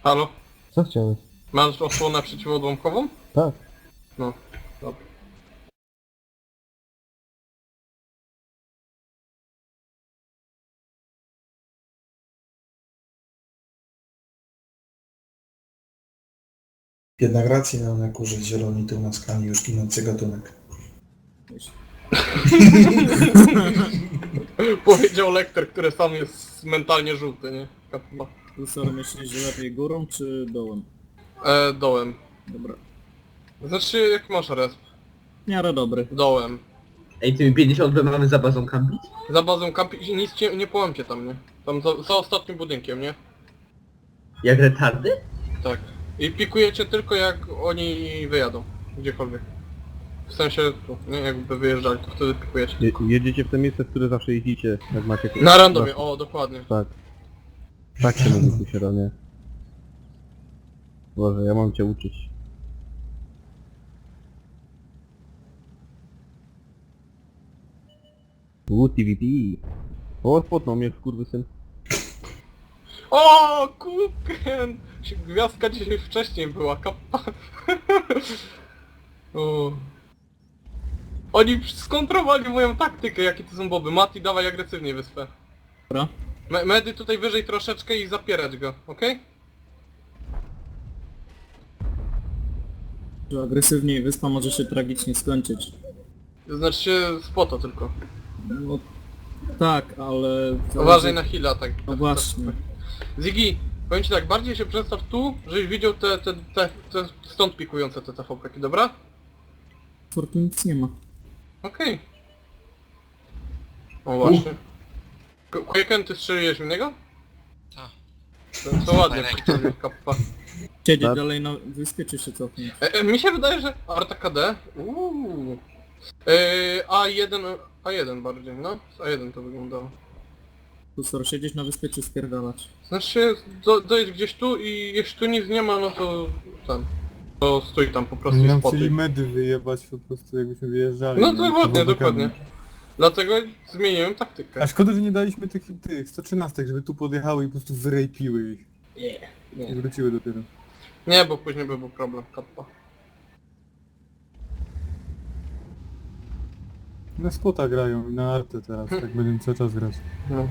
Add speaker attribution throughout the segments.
Speaker 1: Halo?
Speaker 2: Co chciałeś?
Speaker 1: Masz osłonę przeciwodłamkową?
Speaker 2: Tak.
Speaker 1: No, dobra.
Speaker 3: Jednak rację miał na kurze zieloni tył na skali, już ginący gatunek.
Speaker 1: Powiedział lektor, który sam jest mentalnie żółty, nie? Kappa.
Speaker 4: Lusor, myślisz, że lepiej górą czy dołem?
Speaker 1: Dołem.
Speaker 4: Dobra.
Speaker 1: Znaczy, jak masz resp?
Speaker 4: W miarę dobry.
Speaker 1: Dołem.
Speaker 5: Ej, tymi 50 mamy za bazą kampić?
Speaker 1: Za bazą kampi... nic cię, nie połamcie tam, nie? Tam za ostatnim budynkiem, nie?
Speaker 5: Jak retardy?
Speaker 1: Tak. I pikujecie tylko jak oni wyjadą. Gdziekolwiek. W sensie, tu, nie? Jakby wyjeżdżali, to wtedy pikujecie.
Speaker 2: Jedziecie w te miejsce, w które zawsze jeździcie, jak macie...
Speaker 1: Na randomie, o, dokładnie.
Speaker 2: Tak. Tak się mówi tu się ronie. Boże, ja mam cię uczyć. TVP. O, spotnął mnie skurwysyn.
Speaker 1: O, Kuken! Gwiazdka dzisiaj wcześniej była, kappa. O. Oni skontrowali moją taktykę, jakie to są boby. Mati, dawaj agresywnie wyspę.
Speaker 4: Dobra.
Speaker 1: Medy tutaj wyżej troszeczkę i zapierać go, okej?
Speaker 4: Że agresywniej wyspa może się tragicznie skończyć.
Speaker 1: To znaczy się spota tylko.
Speaker 4: No tak, ale...
Speaker 1: Uważaj na heal'a, tak.
Speaker 4: No właśnie.
Speaker 1: Ziggy, powiem ci tak, bardziej się przedstaw tu, żebyś widział te stąd pikujące te TVP-ki, dobra?
Speaker 4: Fortu nic nie ma.
Speaker 1: Okej. O właśnie. Quaken, ty strzeliłeś w niego?
Speaker 6: Tak.
Speaker 1: To ładnie,
Speaker 6: Fajne.
Speaker 1: kappa.
Speaker 4: Siedzieć
Speaker 2: Tak.
Speaker 4: dalej na wyspie czy się cofnąć?
Speaker 1: Mi się wydaje, że Arta KD. A1 bardziej, no. Z A1 to wyglądało.
Speaker 4: Lusor, siedzieć na wyspie czy spierdalać?
Speaker 1: Znaczy, dojedź gdzieś tu i jeśli tu nic nie ma, no to tam. To stój tam po prostu
Speaker 7: Oni
Speaker 1: i
Speaker 7: nam
Speaker 1: spotuj.
Speaker 7: chcieli medy wyjebać po prostu jakbyśmy wyjeżdżali.
Speaker 1: No
Speaker 7: nie?
Speaker 1: dokładnie,
Speaker 7: Powodokami.
Speaker 1: dokładnie. Dlatego zmieniłem taktykę.
Speaker 7: A szkoda, że nie daliśmy tych 113, żeby tu podjechały i po prostu wyrejpiły ich. I wróciły dopiero.
Speaker 1: Nie, bo później by był problem, kappa.
Speaker 7: Na spota grają i na artę teraz, tak będziemy cały czas grać.
Speaker 1: No.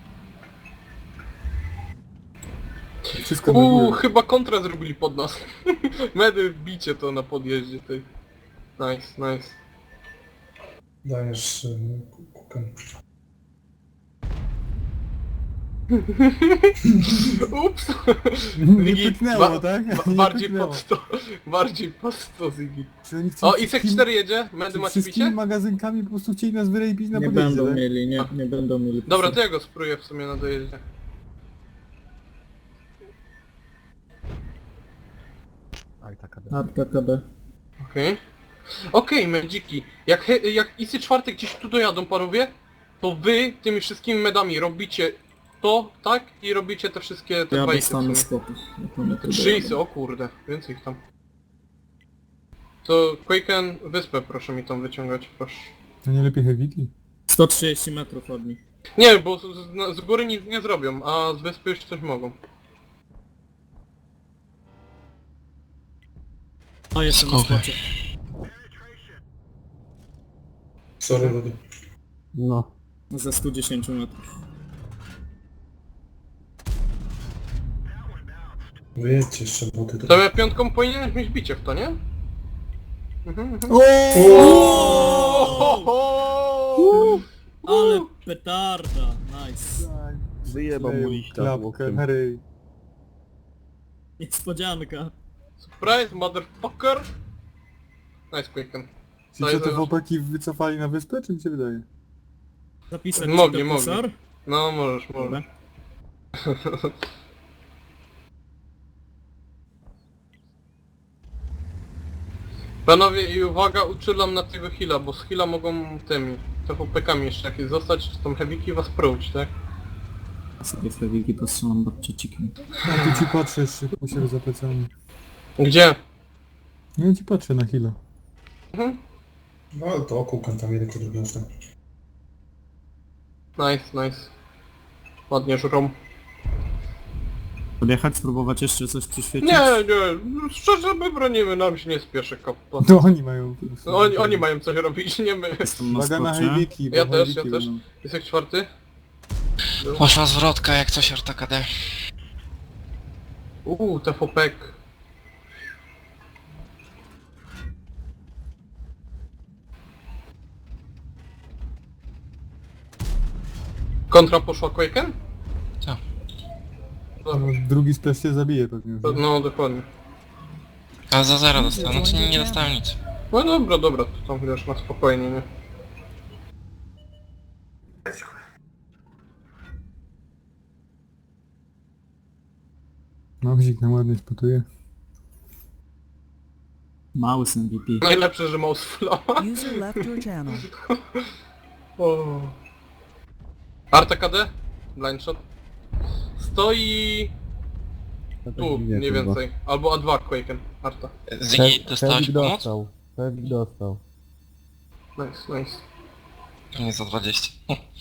Speaker 7: Wszystko na górę.
Speaker 1: Chyba kontra zrobili pod nas. Medy wbicie to na podjeździe tej. Nice, nice.
Speaker 3: Dajesz kukę.
Speaker 1: Ups!
Speaker 7: Nie
Speaker 1: Ziggy,
Speaker 7: pyknęło, tak? Nie
Speaker 1: bardziej
Speaker 7: pyknęło.
Speaker 1: pod 100. Bardziej pod 100, Ziggy.
Speaker 7: Czy oni chcą
Speaker 1: O,
Speaker 7: wszystkim-
Speaker 1: Isek 4 jedzie. Medy
Speaker 7: czy
Speaker 1: macie
Speaker 7: wszystkimi
Speaker 1: bicie?
Speaker 7: magazynkami po prostu chcieli nas wyrejpić na
Speaker 4: Nie
Speaker 7: podjeździe,
Speaker 4: będą
Speaker 7: tak?
Speaker 4: mieli, nie będą mieli.
Speaker 1: Dobra, to ja go spróbuję w sumie na dojeździe.
Speaker 2: Aj, taka
Speaker 4: Arka KD.
Speaker 1: Okej. Okej, medziki. Jak Isy 4 gdzieś tu dojadą, panowie, to wy tymi wszystkimi medami robicie to, tak? I robicie te wszystkie, te
Speaker 4: Ja
Speaker 1: dwa isy w
Speaker 4: dostanę
Speaker 1: sumie.
Speaker 4: spotów. jak one tu
Speaker 1: 3
Speaker 4: dojadą.
Speaker 1: isy, o kurde, więcej ich tam. To Quaken, wyspę proszę mi tam wyciągać, proszę.
Speaker 7: To nie lepiej heaviki?
Speaker 4: 130 metrów od nich.
Speaker 1: Nie, bo z góry nic nie zrobią, a z wyspy już coś mogą.
Speaker 4: A jeszcze na
Speaker 6: Skokaj.
Speaker 4: spocie.
Speaker 3: Sorry, Rudy.
Speaker 2: No.
Speaker 4: Ze 110 metrów.
Speaker 3: Wyjedźcie jeszcze boty.
Speaker 1: To ja piątką powinieneś mieć bicie w to, nie? Mhm.
Speaker 4: Ale petarda, nice.
Speaker 2: Wyjebał mu liścia
Speaker 7: Klapkę,
Speaker 2: łokciem.
Speaker 7: na ryj.
Speaker 4: Niespodzianka.
Speaker 1: Surprise, motherfucker! Nice Quaken.
Speaker 7: Ci co te chłopaki wycofali na wyspę, czy mi się wydaje?
Speaker 4: Zapisać
Speaker 1: Mogli,
Speaker 4: ci to,
Speaker 1: mogli.
Speaker 4: Lusor?
Speaker 1: No możesz, możesz.
Speaker 4: Dobra.
Speaker 1: Panowie i uwaga, uczulam na tego heala, bo z heala mogą tymi TVP-kami jeszcze jakieś zostać, czy tą heaviki was próć, tak?
Speaker 4: Sobie w lewiki postrzelam babciecikiem.
Speaker 7: Ja tu ci patrzę jeszcze u siebie za plecami.
Speaker 1: Gdzie?
Speaker 7: Ja ci patrzę na chwilę.
Speaker 3: No ale to kukę tam jeden drugi ostał.
Speaker 1: Nice, nice. Ładnie żrą.
Speaker 4: Podjechać, spróbować jeszcze coś przyświecić?
Speaker 1: Nie, szczerze my bronimy, nam się nie spieszy kappa.
Speaker 7: No oni mają...
Speaker 1: No, oni mają coś robić, nie my.
Speaker 4: Jestem na
Speaker 7: Uwaga na
Speaker 4: spocie.
Speaker 7: heaviki, bo
Speaker 1: Ja też,
Speaker 7: heaviki
Speaker 1: ja też.
Speaker 7: będą.
Speaker 1: Jest jak czwarty?
Speaker 6: Poszła zwrotka jak coś RTKD.
Speaker 1: TVPek. Kontra poszła Quaken?
Speaker 6: Co?
Speaker 7: No, drugi splash się zabije pewnie.
Speaker 1: No dokładnie.
Speaker 6: A za 0 dostałem, znaczy nie dostałem nic.
Speaker 1: No dobra, to tam wiesz, na spokojnie, nie?
Speaker 7: Małzik nam ładnie spotuje.
Speaker 4: Mały z MVP.
Speaker 1: Najlepsze, że mouse flow.
Speaker 8: User left your channel.
Speaker 1: O. Arta KD? Blind shot. Stoi
Speaker 2: No tak
Speaker 1: tu,
Speaker 2: dziwnie
Speaker 1: mniej
Speaker 2: chyba.
Speaker 1: więcej. Albo A2 Quaken. Arta.
Speaker 6: Zygi, dostałeś
Speaker 2: Fewik
Speaker 6: pomoc?
Speaker 2: dostał. Fewik dostał.
Speaker 1: Nice.
Speaker 6: Nie za 20.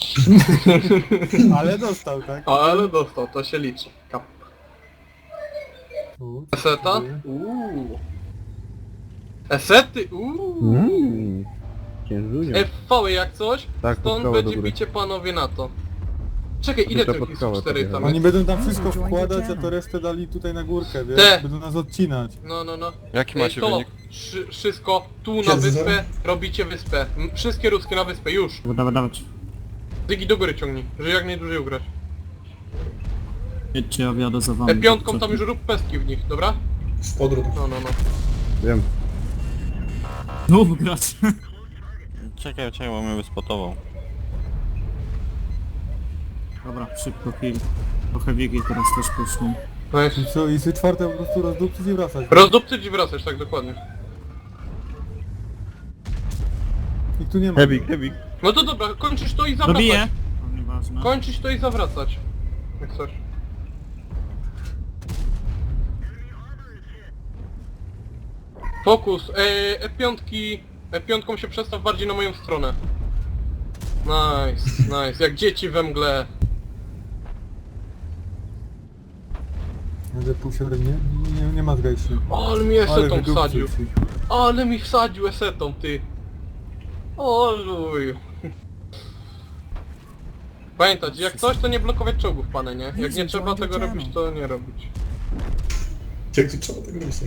Speaker 7: Ale dostał, tak?
Speaker 1: Ale dostał, to się liczy. Kap.
Speaker 7: U,
Speaker 1: Eseta?
Speaker 7: dziękuję.
Speaker 1: Esety?
Speaker 2: Księżunią.
Speaker 1: FV jak coś?
Speaker 2: Tak,
Speaker 1: Stąd
Speaker 2: podstawa
Speaker 1: będzie
Speaker 2: do góry.
Speaker 1: bicie panowie na to. Czekaj, ile
Speaker 2: Tylko
Speaker 1: tych
Speaker 2: pod
Speaker 1: jest
Speaker 2: skałę
Speaker 1: 4 tam
Speaker 2: podjechałem.
Speaker 7: Oni
Speaker 1: jest?
Speaker 7: będą tam wszystko wkładać, a to resztę dali tutaj na górkę, wiesz?
Speaker 1: Te.
Speaker 7: Będą nas odcinać.
Speaker 1: No.
Speaker 9: Jaki macie
Speaker 1: to,
Speaker 9: wynik?
Speaker 1: wszystko tu na
Speaker 3: Siedzę
Speaker 1: wyspę,
Speaker 3: zero.
Speaker 1: robicie wyspę. Wszystkie ruskie na wyspę, już.
Speaker 4: Dawać.
Speaker 1: Dygi do góry ciągnij, żeby jak najdłużej ugrać.
Speaker 4: Jedźcie, ja wjadę za wami.
Speaker 1: Piątką tam już rób pestki w nich, dobra?
Speaker 3: Z podród.
Speaker 1: No.
Speaker 2: Wiem.
Speaker 4: No, grać.
Speaker 9: Czekaj, bo mnie wyspotował.
Speaker 4: Dobra, szybko kill. Trochę wigi teraz też poszło.
Speaker 1: Nice.
Speaker 7: I co, i sy czwarte po prostu rozdupcyć i wracać.
Speaker 1: Rozdupcyć i wracasz, tak dokładnie.
Speaker 7: Ich tu nie ma.
Speaker 2: Heavik.
Speaker 1: No to dobra, kończysz to i zawracać.
Speaker 4: Dobiję! No, nieważne.
Speaker 1: Kończysz to i zawracać. Jak coś. Fokus. E5 się przestaw bardziej na moją stronę. Nice. Jak dzieci we mgle.
Speaker 7: Będę pół średnie. Nie ma zgajszy.
Speaker 1: Ale mi esetą
Speaker 7: wydupcył
Speaker 1: wsadził.
Speaker 7: ci.
Speaker 1: Ale mi wsadził esetą, ty. Oluj. Pamiętać, jak coś to nie blokować czołgów, pane, nie? Jak nie trzeba tego robić, to nie robić.
Speaker 3: Jak to trzeba tego robić?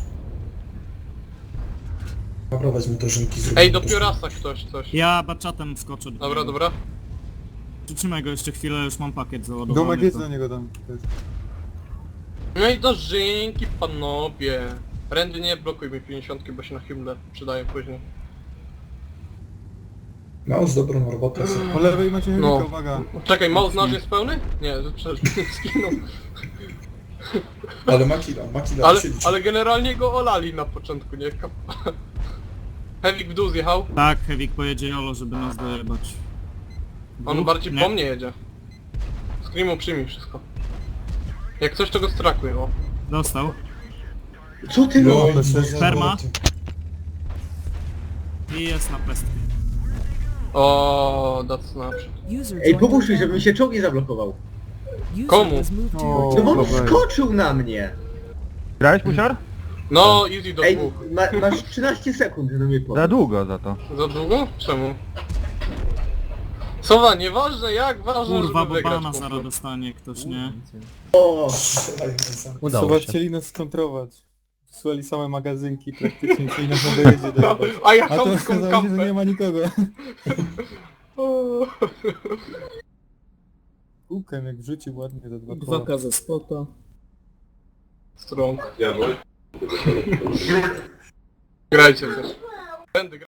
Speaker 3: Naprawiać mu dożynki z
Speaker 1: Ej, do piorasa ktoś coś.
Speaker 4: Ja baczatem wskoczę. do niego.
Speaker 1: Dobra.
Speaker 4: Przytrzymaj go jeszcze chwilę, już mam pakiet załadowany.
Speaker 7: Domek jest
Speaker 4: to-
Speaker 7: do niego tam. też.
Speaker 1: No i dożynki, panowie. Randy, nie blokuj mi 50, bo się na himle przydają później.
Speaker 3: No, z dobrą robotę.
Speaker 7: Po lewej macie heavika,
Speaker 1: No.
Speaker 7: uwaga.
Speaker 1: Czekaj, mouse nasz jest pełny? Nie, przecież skinął.
Speaker 3: Ale Makila
Speaker 1: Ale,
Speaker 3: siedzi.
Speaker 1: ale generalnie go olali na początku, nie? Heavy w dół zjechał.
Speaker 4: Tak, Hewik pojedzie Jolo, żeby nas dojebać.
Speaker 1: On
Speaker 4: Dwóch?
Speaker 1: bardziej
Speaker 4: Nie.
Speaker 1: po mnie jedzie. Screamu przyjmij wszystko. Jak coś to go strakuj, o.
Speaker 4: Dostał.
Speaker 5: Co ty
Speaker 3: No,
Speaker 5: robisz?
Speaker 4: Sperma. I jest na pestkę.
Speaker 1: O, that's naprzód.
Speaker 8: User
Speaker 5: Ej,
Speaker 8: joined
Speaker 5: pomóż
Speaker 8: your
Speaker 5: mi, żebym
Speaker 8: channel.
Speaker 5: się czołg nie zablokował.
Speaker 8: User
Speaker 1: Komu?
Speaker 8: was moved to
Speaker 7: O.
Speaker 8: your
Speaker 5: No bo
Speaker 8: channel.
Speaker 2: Dobra.
Speaker 5: wskoczył na mnie!
Speaker 2: Grałeś, musiar?
Speaker 1: No, easy do
Speaker 5: Ej,
Speaker 1: dwóch.
Speaker 5: masz 13 sekund, żeby mnie
Speaker 2: Za
Speaker 5: podać.
Speaker 2: długo za to.
Speaker 1: Za długo? Czemu? Sowa, nieważne jak, ważne,
Speaker 4: Kurwa,
Speaker 1: żeby
Speaker 4: bo
Speaker 1: wygrać.
Speaker 4: bana
Speaker 1: po
Speaker 4: zaraz
Speaker 1: prostu.
Speaker 4: dostanie ktoś, nie?
Speaker 5: O!
Speaker 7: Chyba chcieli nas skontrować. Wysłali same magazynki praktycznie, czyli nas na dojedzie dojebać.
Speaker 1: A ja
Speaker 7: A to
Speaker 1: chamską
Speaker 7: okazało się, że nie
Speaker 1: kampę.
Speaker 7: ma nikogo.
Speaker 1: O.
Speaker 7: Kółkiem jak wrzucił ładnie za 2 koła.
Speaker 4: 2K ze spota.
Speaker 1: Strong. Grajcie też. Będę